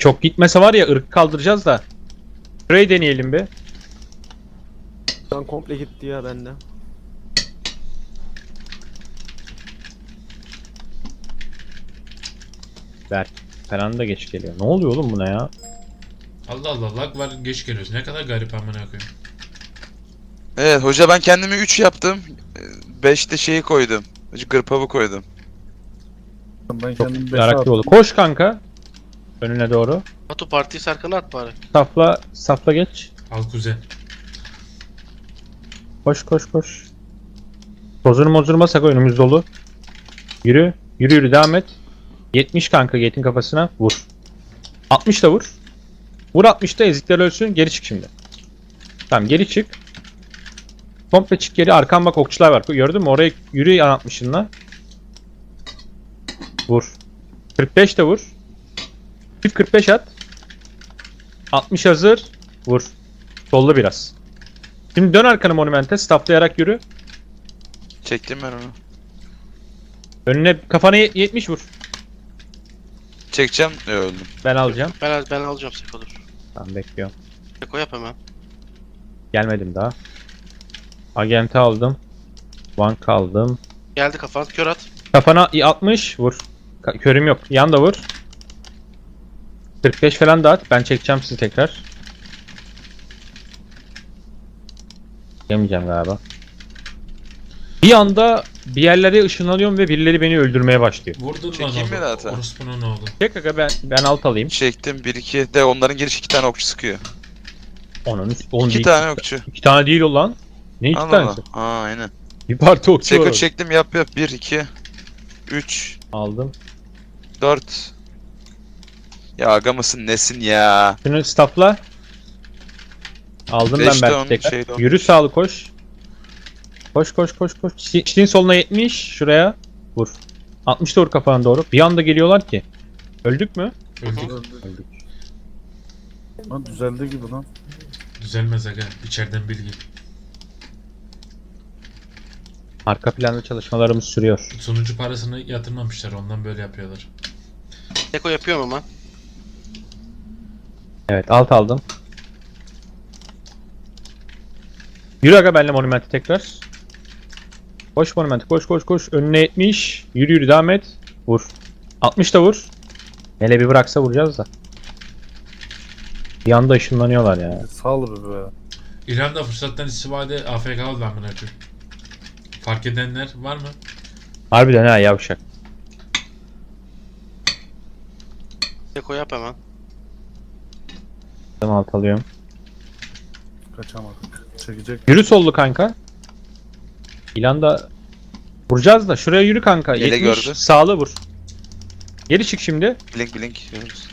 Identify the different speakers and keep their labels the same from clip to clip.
Speaker 1: Çok gitmese var ya ırk kaldıracağız da. Şurayı deneyelim bir.
Speaker 2: Lan komple gitti ya bende.
Speaker 1: Berk falan da geç geliyor. Ne oluyor oğlum buna ya?
Speaker 3: Allah Allah, lag var, geç geliyoruz. Ne kadar garip amına koyayım.
Speaker 4: Evet hoca, ben kendimi 3 yaptım. 5'te şeyi koydum. Gırpavı koydum.
Speaker 5: Ben
Speaker 1: Çok
Speaker 5: kendim 5'e
Speaker 1: meraklı
Speaker 5: attım.
Speaker 1: oldu. Koş kanka. Önüne doğru.
Speaker 6: Batu partiyi Serkan'a at bari.
Speaker 1: Safla geç.
Speaker 3: Al kuzen.
Speaker 1: Koş koş koş. Tozunu mozurmasak önümüz dolu. Yürü. Yürü devam et. 70 kanka Gate'in kafasına vur. 60 da vur. Vur 60'da ezikler ölsün. Geri çık şimdi. Tamam geri çık. Komple çık geri. Arkan bak okçular var. Gördün mü? Oraya yürü yan 60'ınla. Vur. 45 de vur. Çift 45 at. 60 hazır. Vur. Sollu biraz. Şimdi dön arkanı monumente. Stafflayarak yürü.
Speaker 4: Çektim ben onu.
Speaker 1: Önüne kafana 70 vur.
Speaker 4: Çekeceğim. Öldüm.
Speaker 1: Ben alacağım.
Speaker 6: Ben alacağım Seko, dur.
Speaker 1: Tamam bekliyorum.
Speaker 6: Seko yap hemen.
Speaker 1: Gelmedim daha. Agent'i aldım. Bank aldım.
Speaker 6: Geldi kafan, kör at.
Speaker 1: Kafana 60 vur. Körüm yok. Yan da vur. 45 falan da at. Ben çekeceğim sizi tekrar. Yemeyeceğim galiba. Bir anda bir yerlere ışınlanıyorum ve birileri beni öldürmeye başlıyor.
Speaker 3: Vurdun lan
Speaker 4: Çekeyim mi
Speaker 3: oğlum.
Speaker 4: zaten?
Speaker 3: Orospunun oğlu.
Speaker 1: Çek aga ben alt alayım.
Speaker 4: Çektim. 1-2 de onların giriş 2 tane okçu sıkıyor.
Speaker 1: Onun oğlum
Speaker 4: 2
Speaker 1: bir-
Speaker 4: tane okçu.
Speaker 1: 2 tane değil o lan. Ne 2
Speaker 4: Allah
Speaker 1: tanesi?
Speaker 4: Allah. Aa aynen.
Speaker 1: Bir parti okçu var
Speaker 4: Seko
Speaker 1: orada.
Speaker 4: çektim, yap 1 2 3
Speaker 1: Aldım.
Speaker 4: 4. Ya aga mısın nesin ya?
Speaker 1: Şunu staffla. Aldım ben
Speaker 4: 5'te
Speaker 1: belki
Speaker 4: onun
Speaker 1: tekrar.
Speaker 4: şeyde o.
Speaker 1: Yürü sağlı koş. Koş koş koş koş. Çiğin soluna 70 şuraya. Vur. 60 da vur kafana doğru. Bir anda geliyorlar ki. Öldük mü?
Speaker 3: Öldük.
Speaker 1: Öldük.
Speaker 5: Lan düzeldi gibi lan.
Speaker 3: Düzelmez aga. İçeriden bilgi.
Speaker 1: Arka planda çalışmalarımız sürüyor.
Speaker 3: Sunucu parasını yatırmamışlar, ondan böyle yapıyorlar.
Speaker 6: Seko yapıyorum hemen.
Speaker 1: Evet alt aldım. Yürü aga benimle monumenti tekrar. Koş monumenti koş koş koş. Önüne 70. Yürü yürü devam et. Vur. 60 da vur. Hele bir bıraksa vuracağız da. Bir anda ışınlanıyorlar ya.
Speaker 5: Sağ be.
Speaker 3: İrlanda fırsattan istifade AFK oldu amına koyayım. Fark edenler var mı?
Speaker 1: Harbiden ha yavşak.
Speaker 6: Seko yap hemen.
Speaker 1: Ben alt alıyorum.
Speaker 5: Kaçamadık. Çekecek.
Speaker 1: Yürü sollu kanka. İlan da vuracağız da şuraya yürü kanka.
Speaker 4: Ele
Speaker 1: 70
Speaker 4: gördü.
Speaker 1: sağlı vur. Geri çık şimdi.
Speaker 4: Blink diyoruz.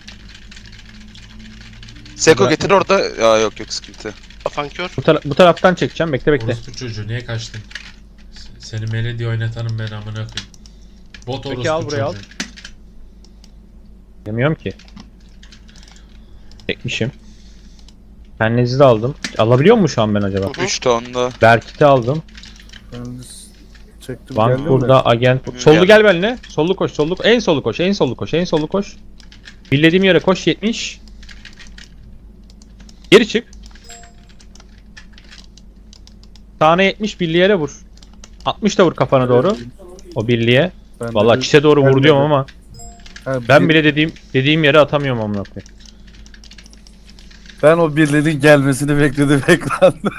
Speaker 4: Seko
Speaker 1: Bırak.
Speaker 4: getir orada. Ya yok sıkıntı.
Speaker 6: Kafan kör.
Speaker 1: Bu taraftan çekeceğim. Bekle bekle.
Speaker 3: Orospu çocuğu niye kaçtın? Seni Melody oynatanım ben amına koyayım. Bot
Speaker 1: Peki,
Speaker 3: orospu
Speaker 1: al buraya, al.
Speaker 3: çocuğu.
Speaker 1: Yemiyorum ki. Çekmişim. Pennezi de aldım. Alabiliyor mu şu an ben acaba?
Speaker 6: Hı hı.
Speaker 4: 3 tonda.
Speaker 1: Berkit'i aldım.
Speaker 5: Ben çektim.
Speaker 1: Van
Speaker 5: geldim
Speaker 1: burada
Speaker 5: de.
Speaker 1: agent.
Speaker 4: Hı,
Speaker 1: Sollu
Speaker 4: geldim.
Speaker 1: gel benimle. Sollu koş, sollu. En sollu koş, en sollu koş, en sollu koş. Bildiğim yere koş 70. Geri çık. Sağına 70 birliğe yere vur. 60 da vur kafana doğru. O birliğe.
Speaker 5: Ben de
Speaker 1: Vallahi
Speaker 5: bir-
Speaker 1: çite doğru vur
Speaker 5: gelmedi.
Speaker 1: diyorum ama
Speaker 5: Ha,
Speaker 1: ben bile dediğim yere atamıyorum amına koyayım.
Speaker 5: Ben o birilerinin gelmesini bekledim ekranda.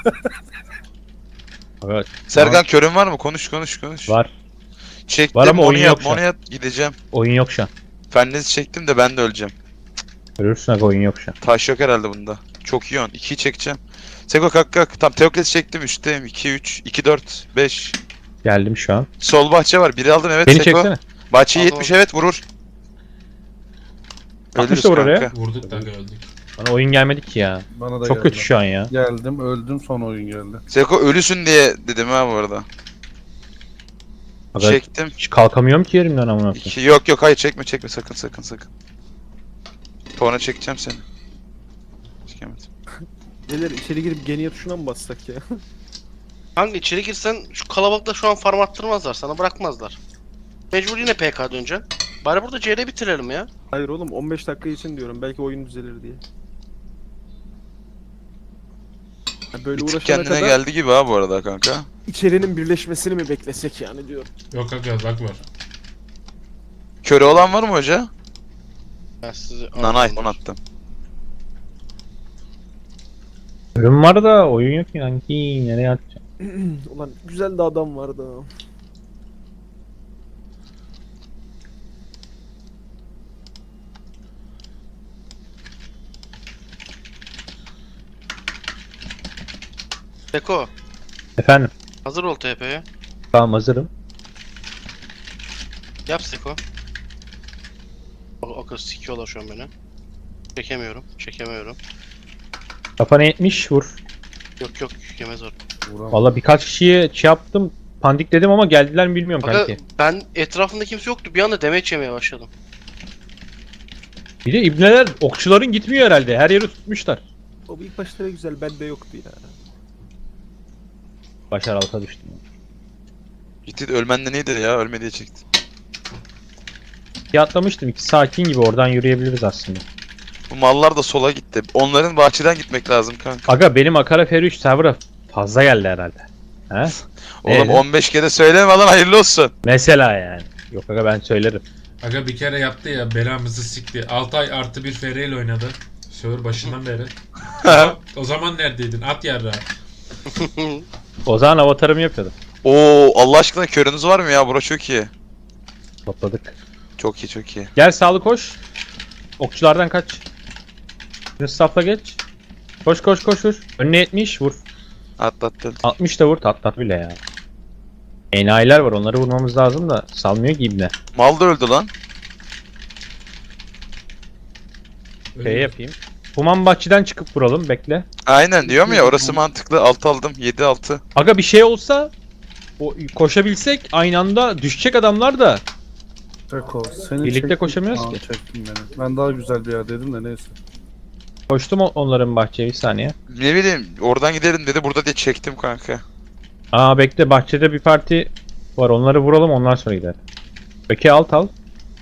Speaker 1: Evet.
Speaker 4: Serkan körün var mı? Konuş.
Speaker 1: Var.
Speaker 4: Çektim
Speaker 1: Var ama oyun
Speaker 4: onu
Speaker 1: yok
Speaker 4: yap,
Speaker 1: şu an.
Speaker 4: onu yap gideceğim.
Speaker 1: Oyun yok şu an.
Speaker 4: Fennezi çektim de ben de öleceğim.
Speaker 1: Görürsün aga oyun yok şu an.
Speaker 4: Taş yok herhalde bunda. Çok iyi on. 2'yi çekeceğim. Seko kalk. Tam Teokles çektim 3'teyim. 2 3 2 4 5.
Speaker 1: Geldim şu an.
Speaker 4: Sol bahçe var. Biri aldın evet
Speaker 1: Beni
Speaker 4: Seko.
Speaker 1: çeksene.
Speaker 4: Bahçeyi
Speaker 6: Aldım.
Speaker 4: 70 evet vurur.
Speaker 1: 60 da vur oraya.
Speaker 4: kanka.
Speaker 3: Vurduk da aga öldük.
Speaker 1: Bana oyun gelmedi ki ya.
Speaker 5: Bana da
Speaker 1: Çok
Speaker 5: geldi.
Speaker 1: kötü şu an ya.
Speaker 5: Geldim öldüm son oyun geldi.
Speaker 4: Seko ölüsün diye dedim ha bu arada.
Speaker 1: Aga,
Speaker 4: Çektim.
Speaker 1: hiç kalkamıyorum ki yerimden amına koyayım.
Speaker 4: 2 yok hayır çekme sakın. Sonra çekeceğim seni. Çekemedim.
Speaker 2: Beyler içeri girip geniye tuşuna mı bassak ya?
Speaker 6: Hangi içeri girsen şu kalabalıkta şu an farm attırmazlar, sana bırakmazlar. Mecbur yine PK döneceksin. Bari burada CR bitirelim ya.
Speaker 2: Hayır oğlum 15 dakika için diyorum. Belki oyun düzelir diye. Ya böyle
Speaker 4: Bir tık
Speaker 2: uğraşana
Speaker 4: kendine
Speaker 2: kadar
Speaker 4: geldi gibi ha bu arada kanka.
Speaker 2: içerinin birleşmesini mi beklesek yani diyorum.
Speaker 3: Yok kanka bak var.
Speaker 4: Körü olan var mı hoca?
Speaker 6: Ben sizi
Speaker 4: Nanay onu attım.
Speaker 1: Ürün var da oyun yok ki kanki. Nereye atacağım?
Speaker 2: Ulan güzel de adam vardı.
Speaker 6: Seko
Speaker 1: Efendim.
Speaker 6: hazır ol TP'ye.
Speaker 1: Tamam hazırım.
Speaker 6: Yap Seko. O kız sikiyorlar şu an beni. Çekemiyorum.
Speaker 1: Kafana 70 vur.
Speaker 6: Yok yemez or.
Speaker 5: Vuramam.
Speaker 1: Valla birkaç kişiye şey yaptım. Pandik dedim ama geldiler mi bilmiyorum
Speaker 6: Aga
Speaker 1: kanki.
Speaker 6: ben etrafında kimse yoktu. Bir anda demeç yemeye başladım.
Speaker 1: Bir de ibneler okçuların gitmiyor herhalde. Her yeri tutmuşlar.
Speaker 2: O ilk başta da güzel bende yoktu ya.
Speaker 1: Başar alta düştüm.
Speaker 4: Gitti ölmenden iyidir ya, ölme diye çekti.
Speaker 1: Bir atlamıştım. 2 sakin gibi oradan yürüyebiliriz aslında.
Speaker 4: Bu mallar da sola gitti. Onların bahçeden gitmek lazım kanka.
Speaker 1: Aga benim Akara F3 server'a fazla geldi herhalde. He?
Speaker 4: Oğlum
Speaker 1: Evet.
Speaker 4: 15 kere söyleme lan, hayırlı olsun.
Speaker 1: Mesela yani. Yok aga ben söylerim.
Speaker 3: Aga bir kere yaptı ya, belamızı sikti. 6 ay artı bir FR ile oynadı. Server başından beri. O zaman neredeydin? At yarra.
Speaker 1: O zaman avatarımı yapıyordum.
Speaker 4: Oo, Allah aşkına körünüz var mı ya? Bura çok iyi.
Speaker 1: Topladık.
Speaker 4: Çok iyi, çok iyi.
Speaker 1: Gel sağlı koş. Okçulardan kaç. Şimdi staff'a geç. Koş vur. Önüne 70 vur.
Speaker 4: Atlattın.
Speaker 1: 60 da vur. Tat bile ya. Enayiler var, onları vurmamız lazım da salmıyor ki ibne.
Speaker 4: Mal da öldü lan.
Speaker 1: Şey yapayım. Human bahçeden çıkıp vuralım, bekle.
Speaker 4: Aynen diyorum ya, orası mantıklı. 6 aldım. 7-6.
Speaker 1: Aga bir şey olsa koşabilsek aynı anda düşecek adamlar da.
Speaker 5: Seko, seni
Speaker 1: Birlikte
Speaker 5: çektim.
Speaker 1: koşamıyoruz
Speaker 5: Aa,
Speaker 1: ki.
Speaker 5: Çektim beni. Ben daha güzel bir yerdeydim de neyse.
Speaker 1: Koştum onların bahçeye bir saniye.
Speaker 4: Ne bileyim, oradan gidelim dedi, burada diye çektim kanka.
Speaker 1: Aa bekle, bahçede bir parti var, onları vuralım ondan sonra gider. Peki alt al.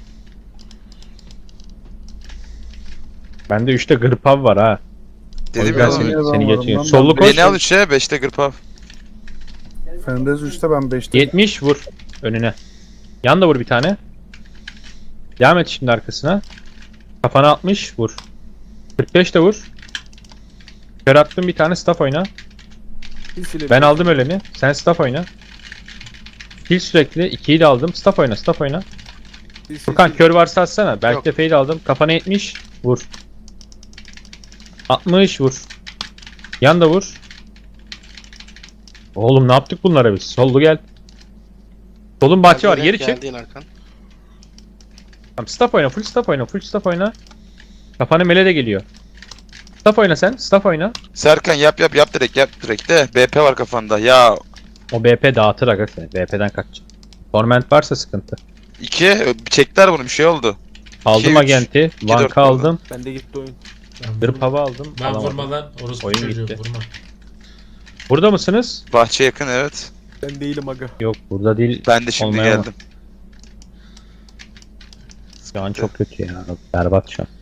Speaker 1: Bende 3'te gırpav var ha. O
Speaker 4: Dedim
Speaker 1: yüzden
Speaker 4: ya.
Speaker 5: seni-
Speaker 1: seni
Speaker 5: Ben
Speaker 1: geçiyor.
Speaker 5: varım.
Speaker 1: Sollu koş.
Speaker 4: Beni al 3'e, 5'te gırpav.
Speaker 5: Fendez 3'te ben 5'te.
Speaker 1: 70 vur önüne. Yan da vur bir tane. Devam et şimdi arkasına. Kafana 60 vur. 45 de vur. Kör attım bir tane, staff oyna. Ben aldım öleni. Sen staff oyna. Kill sürekli. 2'yi de aldım. Staff oyna. Furkan kör varsa atsana. Belki
Speaker 6: Yok.
Speaker 1: de fade aldım. Kafana 70 vur. 60 vur. Yan da vur. Oğlum ne yaptık bunlara biz? Sollu gel. Solun bahçe var. Geri çık.
Speaker 6: Geldiğin arkan.
Speaker 1: Tamam, staff oyna. Full staff oyna. Kafana mele de geliyor. Staff oyna sen. Staff oyna.
Speaker 4: Serkan yap direkt de. BP var kafanda. Ya
Speaker 1: O BP dağıtır aga seni. BP'den kaç. Torment varsa sıkıntı.
Speaker 4: 2 çektiler bunu, bir şey oldu.
Speaker 1: Aldım
Speaker 4: 2-3.
Speaker 1: agenti.
Speaker 4: 2-4
Speaker 1: Vanka aldım.
Speaker 2: Bende gitti oyun.
Speaker 1: Gırp hava aldım.
Speaker 3: Ben
Speaker 1: alamadım.
Speaker 3: vurma lan. Orası
Speaker 1: Oyun
Speaker 3: çocuğu
Speaker 1: gitti.
Speaker 3: vurma.
Speaker 1: Burada mısınız?
Speaker 4: Bahçe yakın, evet.
Speaker 2: Ben değilim aga.
Speaker 1: Yok burada değil.
Speaker 4: Ben de şimdi
Speaker 1: Olmaya
Speaker 4: geldim.
Speaker 1: Şu an çok kötü ya. Berbat şu an.